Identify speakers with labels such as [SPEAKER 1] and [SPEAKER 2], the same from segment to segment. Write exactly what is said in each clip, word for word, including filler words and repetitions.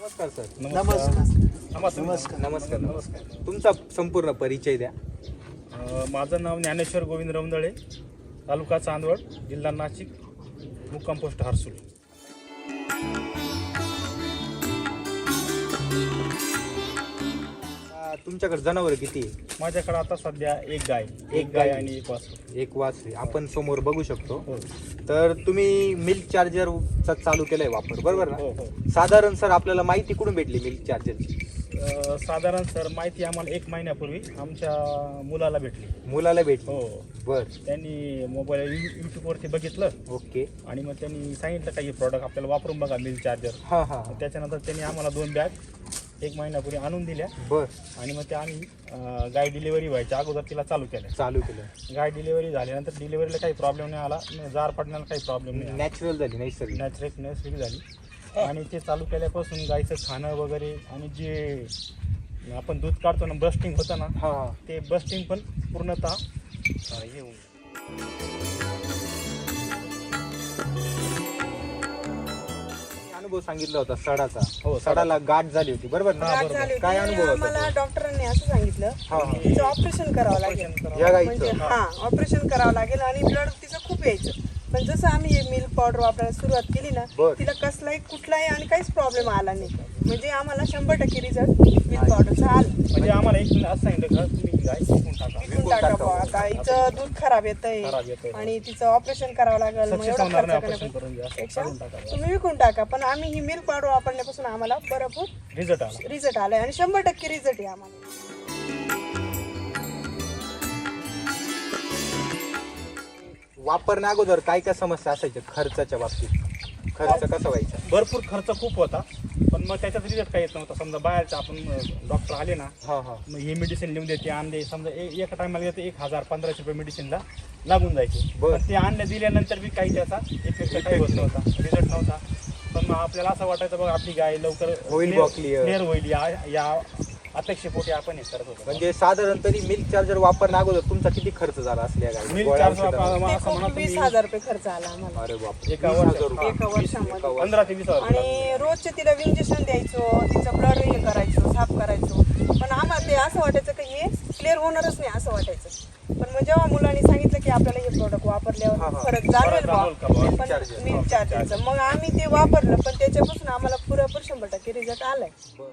[SPEAKER 1] नमस्कार सर.
[SPEAKER 2] नमस्कार
[SPEAKER 1] नमस्कार नमस्कार नमस्कार तुमचा संपूर्ण परिचय द्या.
[SPEAKER 2] अ, माझं नाव ज्ञानेश्वर गोविंद रवंदळे, तालुका चांदवड, जिल्हा नाशिक, मुक्काम पोस्ट हर्सूल.
[SPEAKER 1] आ, तुमच्याकडे जनावर किती आहे?
[SPEAKER 2] माझ्याकडे आता सध्या एक गाय एक गाय आणि एक वासरू.
[SPEAKER 1] एक वासरे आपण समोर बघू शकतो.
[SPEAKER 2] हो
[SPEAKER 1] तर तुम्ही मिल्क चार्जर चा चालू केलाय वापर, बरोबर
[SPEAKER 2] हो
[SPEAKER 1] ना?
[SPEAKER 2] हो
[SPEAKER 1] साधारण सर आपल्याला माहिती कुठून भेटली मिल्क चार्जरची?
[SPEAKER 2] अ, साधारण सर माहिती आम्हाला एक महिन्यापूर्वी आमच्या मुलाला भेटली.
[SPEAKER 1] मुलाला भेटली.
[SPEAKER 2] हो
[SPEAKER 1] बर.
[SPEAKER 2] त्यांनी मोबाईल यूट्यूबवरती बघितलं
[SPEAKER 1] ओके.
[SPEAKER 2] आणि मग त्यांनी सांगितलं काही प्रॉडक्ट आपल्याला वापरून बघा मिल्क चार्जर.
[SPEAKER 1] हा हा
[SPEAKER 2] त्याच्यानंतर त्यांनी आम्हाला दोन बॅग एक महिन्यापूर्वी आणून दिल्या
[SPEAKER 1] बर.
[SPEAKER 2] आणि मग ते आम्ही अ, गाय डिलिव्हरी व्हायच्या अगोदर तिला चालू केल्या.
[SPEAKER 1] चालू केलं.
[SPEAKER 2] गाय डिलिव्हरी झाल्यानंतर डिलिव्हरीला काही प्रॉब्लेम नाही आला, न जार पडण्याला काही प्रॉब्लेम नाही आला.
[SPEAKER 1] नॅचरल झाली नैसर्गिक.
[SPEAKER 2] नॅचरल नैसर्गिक झाली. आणि ते चालू केल्यापासून गायचं खाणं वगैरे आणि जे आपण दूध काढतो ना, ब्रस्टिंग होतं ना,
[SPEAKER 1] हा हा
[SPEAKER 2] ते ब्रस्टिंग पण पूर्णतः अ, हे होऊन
[SPEAKER 1] अनुभव सांगितला होता सडाचा.
[SPEAKER 2] हो,
[SPEAKER 1] सडाला गाठ झाली होती, बरोबर ना?
[SPEAKER 2] हा,
[SPEAKER 3] गाठ
[SPEAKER 2] बरोबर.
[SPEAKER 3] झाली होती.
[SPEAKER 1] काय अनुभव होता
[SPEAKER 3] मला
[SPEAKER 1] तो?
[SPEAKER 3] डॉक्टरांनी असं सांगितलं
[SPEAKER 1] हा हा
[SPEAKER 3] तिचं ऑपरेशन करावं लागेल.
[SPEAKER 2] ऑपरेशन करावं.
[SPEAKER 1] या
[SPEAKER 3] म्हणजे
[SPEAKER 1] गाईचं.
[SPEAKER 3] हा ऑपरेशन करावं लागेल आणि ब्लड तिचं खूप यायचं. पण जसं आम्ही हे मिल्क पावडर वापरायला सुरुवात केली ना,
[SPEAKER 1] बर.
[SPEAKER 3] तिला कसलाही कुठलाही आणि काहीच प्रॉब्लेम आला नाही. म्हणजे आम्हाला शंभर टक्के रिझल्ट मिल्क पावडरचा आला.
[SPEAKER 2] म्हणजे आम्हाला एक असं सांगितलं का तुम्ही गाय विकून टाका.
[SPEAKER 3] विकून टाका बुवा. आता हिचं दूध खराब येतंय
[SPEAKER 2] खराब येतंय.
[SPEAKER 3] आणि तिचं ऑपरेशन करावं लागेल. मग
[SPEAKER 2] सक्सेस
[SPEAKER 3] एवढा
[SPEAKER 2] होणार
[SPEAKER 3] खर्च
[SPEAKER 2] नाही ऑपरेशन
[SPEAKER 3] करण्यापेक्षा
[SPEAKER 2] करून द्या, असं
[SPEAKER 3] पेक्षा
[SPEAKER 2] काढून टाका.
[SPEAKER 3] तुम्ही विकून टाका. पण आम्ही ही मिल्क पावडर वापरण्यापासून आम्हाला भरपूर
[SPEAKER 2] रिझल्ट आला.
[SPEAKER 3] रिझल्ट आलाय आणि शंभर टक्के रिझल्ट आहे आम्हाला.
[SPEAKER 1] वापरण्या अगोदर काय काय समस्या असायच्या खर्चाच्या बाबतीत? खर्च कसा व्हायचा?
[SPEAKER 2] भरपूर खर्च खूप होता, पण मग त्याच्यात रिझल्ट काही येत नव्हता. समजा बाहेरचं आपण डॉक्टर आले ना,
[SPEAKER 1] हा हा
[SPEAKER 2] मग हे मेडिसिन लिहून देते आणले, समजा ए- एका टायमाला येते एक हजार पंधराशे रुपये मेडिसिनला लागून जायचे.
[SPEAKER 1] बरं.
[SPEAKER 2] पण ते आणले दिल्यानंतर बी काही त्याचा इफेक्ट काही होत नव्हता, रिझल्ट नव्हता. पण मग आपल्याला असं वाटायचं बघा आपली गाय लवकर
[SPEAKER 1] होईल बुवा clear.
[SPEAKER 2] क्लिअर होईल, या या अपेक्षेपोटी आपण हे करत होतो.
[SPEAKER 1] म्हणजे साधारण तरी मिल्क चार्जर वापरण्या अगोदर तुमचा किती खर्च झाला असल्या गाडी?
[SPEAKER 2] मिल्क
[SPEAKER 1] गोळ्या
[SPEAKER 2] चार्ज
[SPEAKER 1] औषधाला?
[SPEAKER 2] वापरा-
[SPEAKER 3] ते
[SPEAKER 2] असं म्हणा
[SPEAKER 3] खूप वीस
[SPEAKER 2] तुम्ही
[SPEAKER 3] हजार रुपये खर्च आला आम्हाला
[SPEAKER 1] अरे बाप.
[SPEAKER 2] एका
[SPEAKER 1] वीस
[SPEAKER 2] वर्षात.
[SPEAKER 1] हजार रुपये.
[SPEAKER 3] एका वर्षामध्ये.
[SPEAKER 1] एका वर्षात.
[SPEAKER 2] पंधरा ते वीस हजार
[SPEAKER 3] आणि रोजचे तिला इंजेक्शन द्यायचो, तिचं ब्लड हे करायचो, साफ करायचो. पण आम्हाला ते असं वाटायचं की हे क्लिअर होणारच नाही असं वाटायचं. पण मग जेव्हा मुलांनी सांगितलं की आपल्याला हे प्रोडक्ट
[SPEAKER 1] हा,
[SPEAKER 3] वापरल्यावर
[SPEAKER 1] हा.
[SPEAKER 3] फरक जाणवेल
[SPEAKER 2] फरक जाणवेल का बुवा?
[SPEAKER 3] बा.
[SPEAKER 1] Milk
[SPEAKER 3] पण
[SPEAKER 1] charger.
[SPEAKER 3] मिल्क चार्जरचं मग आम्ही ते वापरलं, पण त्याच्यापासून आम्हाला पुरेपूर शंभर टक्के रिझल्ट आलाय.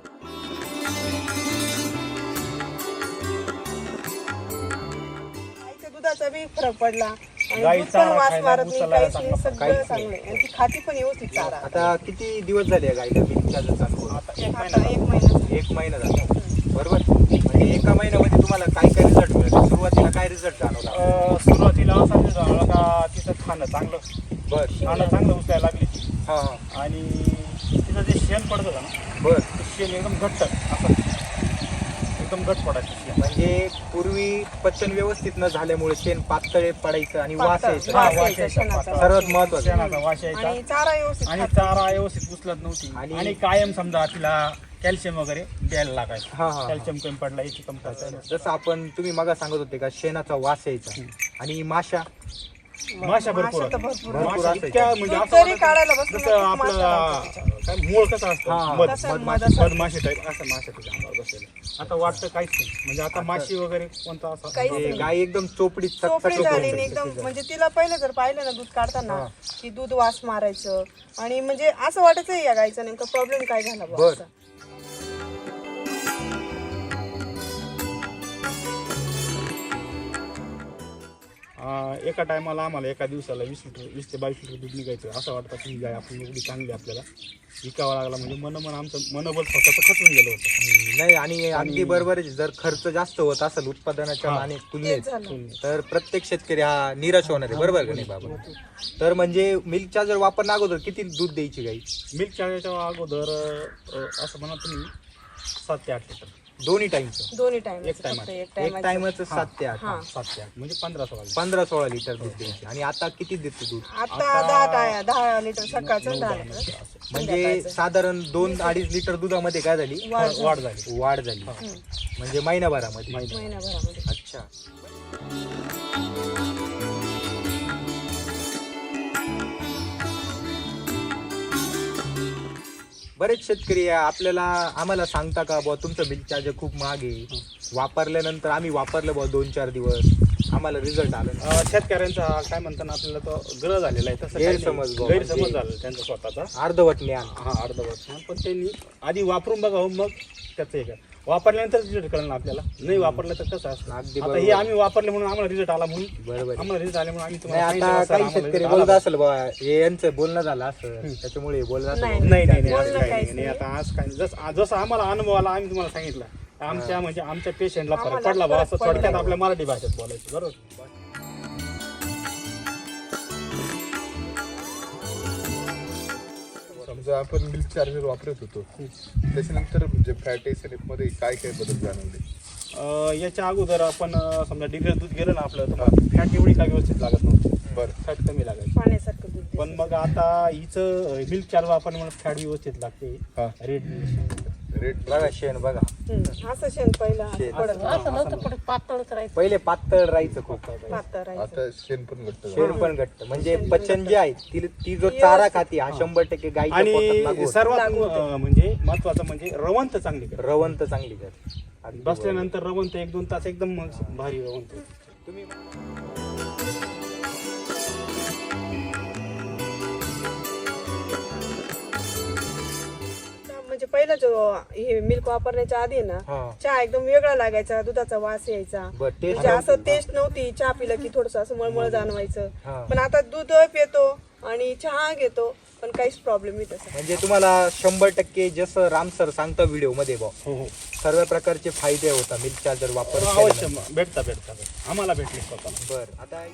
[SPEAKER 3] गाईच्या दुधाचा बी फरक पडला आणि दूध
[SPEAKER 2] गाईचा
[SPEAKER 3] पण वास
[SPEAKER 2] खायला,
[SPEAKER 3] मारत नाही,
[SPEAKER 2] उचलायला
[SPEAKER 3] काहीच
[SPEAKER 2] चांगला
[SPEAKER 3] नाही,
[SPEAKER 2] फरक.
[SPEAKER 3] सगळं
[SPEAKER 1] काहीच
[SPEAKER 3] चांगलं आहे. आणि ती खाती पण व्यवस्थित चारा.
[SPEAKER 1] आता किती दिवस झाले या गाडीला मिल्क चार्जर चालू करून?
[SPEAKER 2] आता एक
[SPEAKER 3] आता
[SPEAKER 2] महिना
[SPEAKER 3] एक महिना
[SPEAKER 1] एक महिना झाला, बरोबर? म्हणजे एका महिन्यामध्ये तुम्हाला काय काय रिझल्ट मिळाले? सुरुवातीला काय रिझल्ट जाणवला?
[SPEAKER 2] अ, सुरुवातीला असा दिवस झाला का तिचं खाणं चांगलं
[SPEAKER 1] बर.
[SPEAKER 2] खाणं चांगलं उचलायला लागली ती.
[SPEAKER 1] हा हा
[SPEAKER 2] आणि तिचं जे शेण पडत होतं ना,
[SPEAKER 1] बर.
[SPEAKER 2] ते शेण एकदम घट्ट असं एकदम घट पडायचं शेण.
[SPEAKER 1] म्हणजे पूर्वी पचन व्यवस्थित न झाल्यामुळे शेण पातळ पडायचं आणि वास
[SPEAKER 3] पातळ.
[SPEAKER 1] यायचा.
[SPEAKER 2] हा,
[SPEAKER 3] वास
[SPEAKER 2] वास
[SPEAKER 3] यायचा
[SPEAKER 2] यायचा.
[SPEAKER 3] शेणाचा.
[SPEAKER 1] सर्वात महत्वाचं.
[SPEAKER 2] शेणाचा वास यायचा
[SPEAKER 3] आणि चारा व्यवस्थित
[SPEAKER 2] आणि
[SPEAKER 3] खात
[SPEAKER 2] चारा व्यवस्थित उचलत नव्हती.
[SPEAKER 1] आणि-
[SPEAKER 2] आणि कायम समजा तिला कॅल्शियम वगैरे द्यायला लागायचं.
[SPEAKER 1] हा, हा.
[SPEAKER 2] कॅल्शियम कमी पडला याची कमतरता आहे.
[SPEAKER 1] जसं आपण तुम्ही मगा सांगत होते का शेणाचा वास यायचा आणि माशा
[SPEAKER 2] माशा भरपूर
[SPEAKER 3] माशा तर
[SPEAKER 2] होत्या.
[SPEAKER 3] भरपूर
[SPEAKER 1] भरपूर
[SPEAKER 2] माशा
[SPEAKER 1] असायच्या.
[SPEAKER 2] इतक्या म्हणजे
[SPEAKER 3] दूध
[SPEAKER 2] असं
[SPEAKER 3] जरी
[SPEAKER 2] वाटायचं
[SPEAKER 3] काढायला बसलं
[SPEAKER 2] जसं
[SPEAKER 3] ना, खूप माशा
[SPEAKER 2] आपलं
[SPEAKER 3] लागतात
[SPEAKER 2] काय मूळ कसं
[SPEAKER 1] हा,
[SPEAKER 2] असतं मध
[SPEAKER 3] तसं
[SPEAKER 2] मध-
[SPEAKER 3] मध
[SPEAKER 2] मधमाशी टाईप असं माशा तिच्या अंगावर बसलेलं. आता वाटतं काहीच नाही, म्हणजे आता माशी वगैरे कोणता असं
[SPEAKER 3] काहीच
[SPEAKER 1] हे
[SPEAKER 3] नाही.
[SPEAKER 1] गाय एकदम चोपडीत
[SPEAKER 3] चोपडी
[SPEAKER 1] चकचक
[SPEAKER 3] झाली
[SPEAKER 1] होऊन
[SPEAKER 3] आणि
[SPEAKER 1] जाते.
[SPEAKER 3] एकदम म्हणजे तिला पहिलं जर पाहिलं ना दूध काढताना
[SPEAKER 1] हा.
[SPEAKER 3] की दूध वास मारायचं आणि म्हणजे असं वाटायचं या गायचा नेमका प्रॉब्लेम काय झाला बुवा
[SPEAKER 1] बर.
[SPEAKER 3] असं.
[SPEAKER 2] अं, एका टायमाला आम्हाला एका दिवसाला वीस लिटर वीस ते बावीस लिटर दूध निघायचं. असं वाटतं की ही गाय आपली एवढी चांगली आपल्याला विकावं लागला, म्हणजे मन मन आमचं मनोबल स्वतःचं खचून गेलं होतं.
[SPEAKER 1] हम्म, नाही आणि अगदी बरोबर आहे. जर खर्च जास्त होत असेल उत्पादनाच्या
[SPEAKER 2] हा.
[SPEAKER 1] माने
[SPEAKER 3] तेच
[SPEAKER 1] तुलनेत
[SPEAKER 3] झालं.
[SPEAKER 1] तर प्रत्येक शेतकरी हा निराश होणार आहे, बरोबर का नाही बाबा? तर म्हणजे मिल्क चार्जर वापरण्या अगोदर किती दूध द्यायची गाई?
[SPEAKER 2] मिल्क चार्जरच्या अगोदर अं, असं म्हणा तुम्ही सात ते आठ लिटर
[SPEAKER 1] दोन्ही टाइमचं
[SPEAKER 3] दोन्ही टाइम
[SPEAKER 2] एक time.
[SPEAKER 3] एक
[SPEAKER 1] एक
[SPEAKER 3] टाइम
[SPEAKER 1] टाइमच सात ते आठ
[SPEAKER 3] हा.
[SPEAKER 2] सात ते आठ म्हणजे पंधरा सोळा लिटर.
[SPEAKER 1] पंधरा सोळा लिटर दूध द्यायचे. आणि आता किती देते दूध?
[SPEAKER 3] आता
[SPEAKER 2] आता-
[SPEAKER 3] दहा टाय दहा लिटर सकाळचं
[SPEAKER 2] नऊ-
[SPEAKER 3] दहा
[SPEAKER 2] दहा
[SPEAKER 3] लिटर
[SPEAKER 2] लिटर असं.
[SPEAKER 1] म्हणजे
[SPEAKER 3] संध्याकाळचं.
[SPEAKER 1] साधारण दोन अडीच लिटर दुधामध्ये काय झाली?
[SPEAKER 3] वाढ झाली.
[SPEAKER 2] वाढ झाली.
[SPEAKER 1] वाढ झाली.
[SPEAKER 3] हम्म.
[SPEAKER 1] म्हणजे महिनाभरामध्ये.
[SPEAKER 2] महिना.
[SPEAKER 3] महिनाभरामध्ये
[SPEAKER 1] अच्छा. बरेच शेतकरी आपल्याला आम्हाला सांगता का बुवा तुमचं मिल्क चार्जर खूप महाग आहे, वापरल्यानंतर आम्ही वापरलं बुवा दोन चार दिवस आम्हाला रिझल्ट आला नाही.
[SPEAKER 2] अं, शेतकऱ्यांचा काय म्हणताना आपल्याला तो ग्रह झालेला आहे, तसं काही नाही.
[SPEAKER 1] गैरसमज बुवा,
[SPEAKER 2] गैरसमज
[SPEAKER 1] म्हणजे-
[SPEAKER 2] झाला त्यांचा स्वतःचा.
[SPEAKER 1] अर्धवट ज्ञान.
[SPEAKER 2] हा अर्धवट हा, पण त्यांनी आधी वापरून बघावं मग त्याचं हे काय वापरल्यानंतर रिझल्ट कळलं ना आपल्याला. नाही वापरलं तर कसं असतं.
[SPEAKER 1] अगदी
[SPEAKER 2] आता
[SPEAKER 1] बरोबर.
[SPEAKER 2] हे आम्ही वापरले म्हणून आम्हाला रिझल्ट आला म्हणून
[SPEAKER 1] बरोबर.
[SPEAKER 2] आम्हाला रिझल्ट आले म्हणून आम्ही
[SPEAKER 1] नाही
[SPEAKER 2] तुम्हाला
[SPEAKER 1] आता
[SPEAKER 2] सांगितलं,
[SPEAKER 1] काही
[SPEAKER 2] "सर, आम्हाला
[SPEAKER 1] शेतकरी
[SPEAKER 2] result
[SPEAKER 1] बोलत
[SPEAKER 2] आला."
[SPEAKER 1] असेल बाबा हे यांचं बोलणं झालं असं त्याच्यामुळे बोलत असेल
[SPEAKER 3] नाही,
[SPEAKER 1] बाबा.
[SPEAKER 2] नाही नाही नाही,
[SPEAKER 3] बोलणं
[SPEAKER 2] असं काही
[SPEAKER 3] काहीच
[SPEAKER 2] नाही.
[SPEAKER 3] नाही.
[SPEAKER 2] आता आज काय जसं जसं आम्हाला अनुभव आला आम्ही तुम्हाला सांगितलं. आमच्या म्हणजे आमच्या पेशंटला फरक
[SPEAKER 3] आम्हाला
[SPEAKER 2] पडला बा
[SPEAKER 3] फरक
[SPEAKER 2] असं
[SPEAKER 3] पडला.
[SPEAKER 2] थोडक्यात आपल्या मराठी भाषेत बोलायचं बरोबर.
[SPEAKER 4] समजा आपण मिल्क चार्जर वापरत होतो त्याच्यानंतर म्हणजे फॅट एसिड मध्ये काय काय बदल जाणवले?
[SPEAKER 2] अं, याच्या अगोदर आपण अं, समजा डिग्री दूध गेलं ना आपलं तर फॅट एवढी काय व्यवस्थित लागत नव्हती,
[SPEAKER 4] बरं.
[SPEAKER 2] फॅट कमी लागायची.
[SPEAKER 3] पाण्यासारखं दूध दिसतं.
[SPEAKER 2] पण मग आता हिचं मिल्क चार्जर आपण म्हणून फॅट व्यवस्थित लागते.
[SPEAKER 4] हा.
[SPEAKER 2] रेट
[SPEAKER 4] रेट
[SPEAKER 1] बघा शेण बघा
[SPEAKER 3] हम्म, असं शेण पहिलं
[SPEAKER 1] शेण.
[SPEAKER 3] पडत
[SPEAKER 5] असं नव्हतं पण पातळच राहायचं.
[SPEAKER 1] पहिले पातळ राहायचं खूप.
[SPEAKER 3] पातळ राहायचं.
[SPEAKER 4] आता शेण पण घट्ट झालं.
[SPEAKER 1] शेण पण घट्ट म्हणजे पचन जे आहे ती ती जो चारा खाती हा शंभर टक्के गाईच्या पोटात लागू
[SPEAKER 2] आणि
[SPEAKER 1] होतो.
[SPEAKER 2] सर्वात
[SPEAKER 3] लागू होते.
[SPEAKER 2] अं, म्हणजे महत्वाचं म्हणजे रवंत चांगली कर.
[SPEAKER 1] रवंत चांगली कर. अगदी बरोबर.
[SPEAKER 2] बसल्यानंतर रवंत एक दोन तास एकदम भारी रवंत.
[SPEAKER 1] तुम्ही
[SPEAKER 3] म्हणजे पहिला जो हे मिल्क वापरण्याच्या आधी ना
[SPEAKER 1] हा.
[SPEAKER 3] चहा एकदम वेगळा लागायचा, दुधाचा वास यायचा.
[SPEAKER 1] बरं, taste
[SPEAKER 3] म्हणजे असं टेस्ट नव्हती. चहा पिलं की थोडस असं मळमळ जाणवायचं.
[SPEAKER 1] हा.
[SPEAKER 3] पण आता दूध पितो आणि चहा घेतो पण काहीच प्रॉब्लेम नाही तसा.
[SPEAKER 1] म्हणजे तुम्हाला शंभर टक्के जसं राम सर सांगता व्हिडिओ मध्ये बा
[SPEAKER 2] हो हो
[SPEAKER 1] सर्व प्रकारचे फायदे होता मिल्क चार्जर वापर
[SPEAKER 2] अवश्य भेटता भेटता भेटता. आम्हाला भेटले स्वतःला.
[SPEAKER 1] बर आता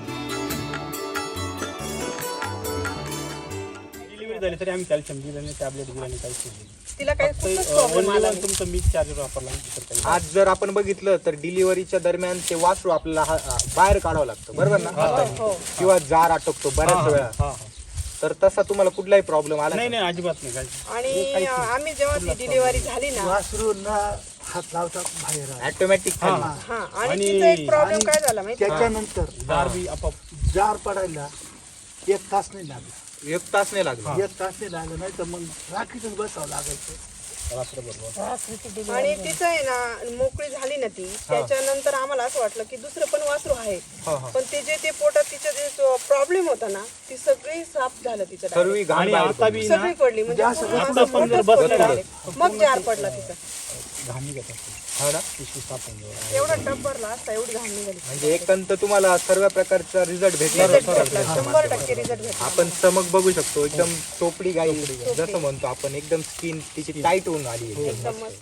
[SPEAKER 2] डिलिव्हरी झाली तरी आम्ही कॅल्शियम दिलं नाही, टॅबलेट दिलं नाही, काहीच नाही.
[SPEAKER 3] तिला काही
[SPEAKER 2] फक्त,
[SPEAKER 3] खूपच
[SPEAKER 2] अं,
[SPEAKER 3] प्रॉब्लेम
[SPEAKER 2] only
[SPEAKER 3] आला
[SPEAKER 2] one तुमचं मिल्क चार्जर वापरला नाही, दुसरं काही नाही.
[SPEAKER 1] आज जर आपण बघितलं तर डिलिव्हरीच्या दरम्यान ते वासरू आपल्याला हा- हा बाहेर काढावं लागतं बरोबर ना हाताने.
[SPEAKER 3] हो.
[SPEAKER 1] किंवा जार अटकतो
[SPEAKER 2] हा,
[SPEAKER 1] बऱ्याच
[SPEAKER 2] हा,
[SPEAKER 1] वेळा.
[SPEAKER 2] हा, हा.
[SPEAKER 1] तर तसा तुम्हाला कुठलाही प्रॉब्लेम आला
[SPEAKER 2] नाही
[SPEAKER 1] का?
[SPEAKER 2] नाही अजिबात नाही काही.
[SPEAKER 3] आणि आम्ही जेव्हा ती डिलिव्हरी झाली ना
[SPEAKER 6] हात लावतात बाहेर आले.
[SPEAKER 1] ऑटोमॅटिक
[SPEAKER 2] हा.
[SPEAKER 3] हा आणि
[SPEAKER 2] आणि-
[SPEAKER 3] तिचा एक प्रॉब्लेम काय झाला माहिती
[SPEAKER 6] त्याच्यानंतर
[SPEAKER 2] दार बी आपोआप
[SPEAKER 6] जार पडायला एक तास नाही लागला.
[SPEAKER 1] एक तास नाही लागला.
[SPEAKER 6] एक तास नाही लागला नाही तर मग राखीतच बसावं लागायचं.
[SPEAKER 2] रात्रभर.
[SPEAKER 5] रात्रीची डिलिव्हरी.
[SPEAKER 3] आणि तिचं आहे ना मोकळी झाली ना ती त्याच्यानंतर आम्हाला असं वाटलं की दुसरं पण वासरू आहे.
[SPEAKER 1] हा, हा.
[SPEAKER 3] पण ते जे ते पोटात तिचं जे प्रॉब्लेम होता ना ती सगळी साफ झालं तिचं direct.
[SPEAKER 1] सर्व घाण
[SPEAKER 2] आणि
[SPEAKER 1] बाहेर
[SPEAKER 2] आता
[SPEAKER 1] पडली.
[SPEAKER 2] बी ना
[SPEAKER 3] सगळी पडली म्हणजे
[SPEAKER 6] असं
[SPEAKER 3] पूर्ण
[SPEAKER 2] आता
[SPEAKER 3] असं
[SPEAKER 2] पण जर
[SPEAKER 3] मोठंच
[SPEAKER 2] बसलं
[SPEAKER 3] पडलं
[SPEAKER 2] ना,
[SPEAKER 3] direct. मग जार पडला तिचा.
[SPEAKER 2] घाण निघत असते.
[SPEAKER 1] हो ना?
[SPEAKER 2] पिशवी साफ होऊन जाते.
[SPEAKER 3] एवढा टप भरला असता एवढी घाण निघाली.
[SPEAKER 1] म्हणजे एकंत तुम्हाला सर्व प्रकारचा रिझल्ट भेटला
[SPEAKER 3] Result भेटला, शंभर टक्के रिझल्ट भेटला.
[SPEAKER 1] आपण चमक बघू शकतो एकदम चोपडी गाई जसं म्हणतो आपण एकदम स्किन तिची टाईट होऊन आली आहे.
[SPEAKER 3] एकदम मस्त.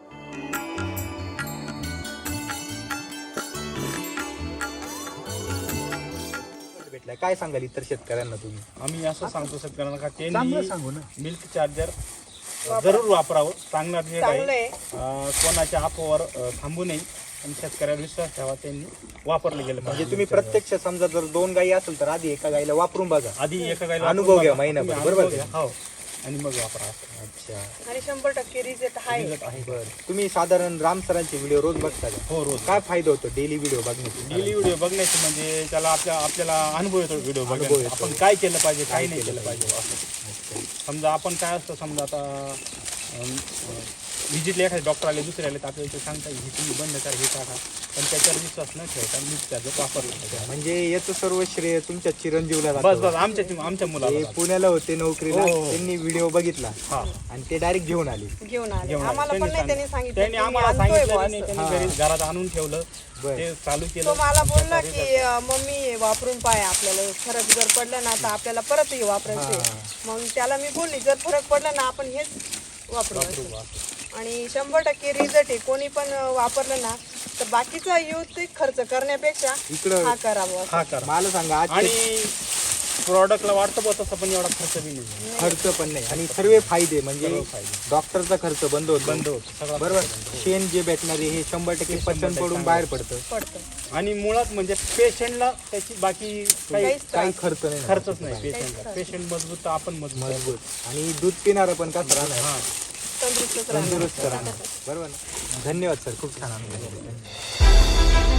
[SPEAKER 1] भेटलाय काय सांगाल इतर शेतकऱ्यांना तुम्ही?
[SPEAKER 2] आम्ही असं सांगतो शेतकऱ्यांना का
[SPEAKER 6] चांगलं
[SPEAKER 2] त्यांनी
[SPEAKER 6] सांगू ना.
[SPEAKER 2] मिल्क चार्जर जरूर वापरावं. चांगला रेट
[SPEAKER 3] चांगलं
[SPEAKER 2] आहे.
[SPEAKER 3] आहे.
[SPEAKER 2] अं, कोणाच्या अफवावर अं, थांबू नये आणि शेतकऱ्यावर विश्वास ठेवा. त्यांनी वापरलं गेलं
[SPEAKER 1] म्हणजे
[SPEAKER 2] पाहिजे.
[SPEAKER 1] तुम्ही प्रत्यक्ष समजा जर दोन गायी असेल तर आधी एका गाईला वापरून बघा.
[SPEAKER 2] आधी एका गायला
[SPEAKER 1] अनुभव
[SPEAKER 2] वापरून
[SPEAKER 1] घ्या
[SPEAKER 2] बघा.
[SPEAKER 1] महिनाभर,
[SPEAKER 2] तुम्ही
[SPEAKER 1] बरोबर
[SPEAKER 2] अनुभव
[SPEAKER 1] का?
[SPEAKER 2] घ्या. हो आणि मग वापरा.
[SPEAKER 1] अच्छा
[SPEAKER 3] आणि शंभर टक्के रिझल्ट आहे.
[SPEAKER 2] Result आहे.
[SPEAKER 1] बर तुम्ही साधारण राम सरांचे व्हिडिओ रोज बघता का?
[SPEAKER 2] हो रोज
[SPEAKER 1] काय फायदा होतो डेली व्हिडिओ बघण्याचे?
[SPEAKER 2] डेली व्हिडिओ बघण्याचे म्हणजे त्याला आपल्या आपल्याला अनुभव येतो व्हिडिओ
[SPEAKER 1] अनुभव
[SPEAKER 2] बघण्याचा.
[SPEAKER 1] येतो.
[SPEAKER 2] आपण काय केलं पाहिजे काय नाही केलं पाहिजे असं. समजा आपण काय असतं समजा आता व्हिजिटला एखादे डॉक्टर आले दुसरे आले तर आपल्याला ते सांगता हे तुम्ही बंद करा हे टाका. पण त्याच्यावर विश्वास न ठेवता मिल्क चार्जर वापरलं पाहिजे.
[SPEAKER 1] म्हणजे याचं सर्व श्रेय तुमच्या चिरंजीवला
[SPEAKER 2] बस
[SPEAKER 1] जातं.
[SPEAKER 2] बस आमच्या आमच्या
[SPEAKER 1] ते
[SPEAKER 2] मुलाला जातं.
[SPEAKER 1] पुण्याला होते नोकरीला
[SPEAKER 2] हो, हो.
[SPEAKER 1] त्यांनी व्हिडिओ बघितला
[SPEAKER 2] हा
[SPEAKER 1] आणि ते डायरेक्ट घेऊन आले.
[SPEAKER 3] घेऊन आले
[SPEAKER 2] घेऊन आले.
[SPEAKER 3] आम्हाला पण नाही त्यांनी
[SPEAKER 2] सांगितलं.
[SPEAKER 3] सांगितलं
[SPEAKER 2] त्यांनी
[SPEAKER 3] की मी
[SPEAKER 2] आम्हाला
[SPEAKER 3] आणतोय
[SPEAKER 2] सांगितलं
[SPEAKER 3] बुवा
[SPEAKER 2] नाही,
[SPEAKER 3] असं.
[SPEAKER 2] त्यांनी घरी घरात आणून ठेवलं.
[SPEAKER 1] बर.
[SPEAKER 2] ते चालू
[SPEAKER 3] तो
[SPEAKER 2] केलं.
[SPEAKER 3] मला बोलला की अं, मम्मी हे वापरून पाय आपल्याला फरक जर पडला ना तर आपल्याला परत हे वापरायचे. मग त्याला मी बोलली जर फरक पडला ना आपण हेच वापरू असं. आणि शंभर टक्के रिझल्ट आहे. कोणी पण अं, वापरलं ना तर बाकीचा यूज खर्च करण्यापेक्षा
[SPEAKER 1] इकडं
[SPEAKER 3] हा करावा असं.
[SPEAKER 2] हा करा.
[SPEAKER 1] मला सांगा आज
[SPEAKER 2] आणि प्रॉडक्टला वाटतं बघ तसं पण एवढा खर्च बी नाही.
[SPEAKER 1] खर्च पण नाही आणि सर्व फायदे म्हणजे
[SPEAKER 2] सर्व फायदे.
[SPEAKER 1] डॉक्टरचा खर्च बंद होतो
[SPEAKER 2] बंद होतो सगळा.
[SPEAKER 1] बरोबर. शेण जे भेटणारे हे शंभर टक्के पचन पडून बाहेर पडतं.
[SPEAKER 3] पडतं
[SPEAKER 2] आणि मुळात म्हणजे पेशंटला त्याची बाकी काही
[SPEAKER 3] काहीच
[SPEAKER 1] काही
[SPEAKER 3] त्रास
[SPEAKER 1] खर्च नाही
[SPEAKER 2] खर्चच नाही पेशंटला. पेशंट मजबूत तर आपण मजबूत.
[SPEAKER 1] मजबूत आणि दूध पिणार पण कसं राहणार
[SPEAKER 2] हा
[SPEAKER 3] तंदुरुस्तच राहणार.
[SPEAKER 1] तंदुरुस्त राहणार बरोबर ना. धन्यवाद सर खूप छान अनुभव.